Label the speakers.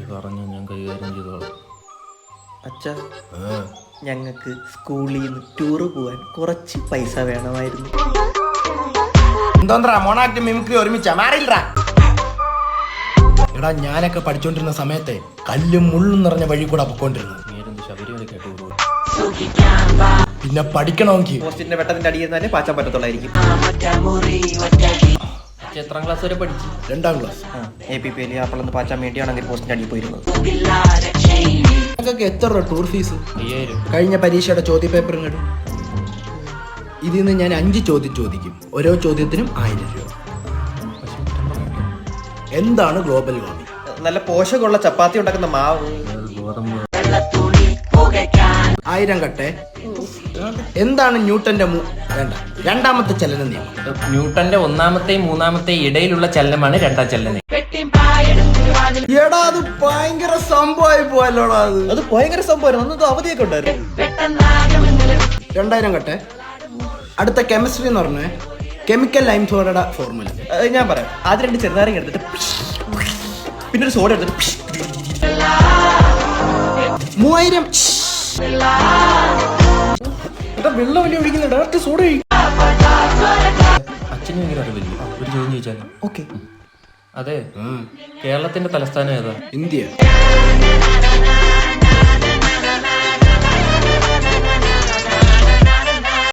Speaker 1: പറഞ്ഞു ഞാൻ കൈകാര്യം ചെയ്തോളാം.
Speaker 2: അച്ഛാ, ഞങ്ങൾക്ക് സ്കൂളിൽ നിന്ന് ടൂറ് പോവാൻ കുറച്ച് പൈസ വേണമായിരുന്നു.
Speaker 3: എന്തോന്നാ മോണാക്ട് മിമിക്രി ഒരുമിച്ചാ മാറിയില്ലടാ. എടാ ഞാനൊക്കെ പഠിച്ചോണ്ടിരുന്ന സമയത്തെ കല്ലും മുള്ളും നിറഞ്ഞ വഴി കൂടെ പൊക്കോണ്ടിരുന്നു.
Speaker 1: നേരെന്ത് ശബരിമലയ്ക്ക് ടൂർ പോകും.
Speaker 3: പിന്നെ പഠിക്കണമെങ്കിൽ
Speaker 2: പോസ്റ്റിന്റെ വെട്ടത്തിന്റെ അടിയിരുന്നാലേ പാച്ചാൻ പറ്റത്തുള്ളായിരിക്കും.
Speaker 1: എത്രാം ക്ലാസ് വരെ പഠിച്ചു?
Speaker 3: 2ാം ക്ലാസ്.
Speaker 2: APPL അപ്പോഴൊന്ന് പാച്ചാൻ വേണ്ടിയാണെങ്കിൽ പോസ്റ്റിന്റെ അടിയിൽ പോയിരുന്നത്.
Speaker 3: നിങ്ങൾക്കൊക്കെ എത്ര രൂപ ടൂർ ഫീസ്?
Speaker 1: 5000.
Speaker 3: കഴിഞ്ഞ പരീക്ഷയുടെ ചോദ്യ പേപ്പർ ഇങ്ങോട്ട്. ഇതിൽ നിന്ന് ഞാൻ 5 ചോദ്യം ചോദിക്കും. ഓരോ ചോദ്യത്തിനും 1000 രൂപ. എന്താണ് ഗ്ലോബൽ വാർമിംഗ്?
Speaker 2: നല്ല പോഷകമുള്ള ചപ്പാത്തി ഉണ്ടാക്കുന്ന മാവ്.
Speaker 1: ഗോതമ്പ്.
Speaker 3: 1000 കട്ടെ. എന്താണ് ന്യൂട്ടന്റെ വേണ്ട 2ാമത്തെ ചലന നിയമം?
Speaker 1: ന്യൂട്ടന്റെ 1ാമത്തെയും 3ാമത്തെയും ഇടയിലുള്ള ചലനമാണ് 2ാം ചലനം.
Speaker 3: എടാ അത് ഭയങ്കര സംഭവമായി പോയല്ലോടാ.
Speaker 2: അത് ഭയങ്കര സംഭവം. അന്നത് അവധിയൊക്കെ ഉണ്ടായിരുന്നു.
Speaker 3: 2000 കട്ടെ. അടുത്ത കെമിസ്ട്രി എന്ന് പറഞ്ഞ കെമിക്കൽ ലൈം സോഡയുടെ ഫോർമുല
Speaker 2: ഞാൻ പറയാം. ആദ്യം 2 ചെറുനാരങ്ങ എടുത്തിട്ട് പിന്നെ ഒരു സോഡ എടുത്തിട്ട്
Speaker 3: 3000.
Speaker 2: വെള്ളം വലിയ ഒഴിക്കുന്ന ഡയറക്റ്റ് സോഡ കഴിക്കും.
Speaker 1: അച്ഛനും ഭയങ്കര അറിവില്ല. ഒരു ചോദ്യം ചോദിച്ചാലോ?
Speaker 2: ഓക്കെ.
Speaker 1: അതെ, കേരളത്തിന്റെ തലസ്ഥാനം ഏതാ?
Speaker 3: ഇന്ത്യ.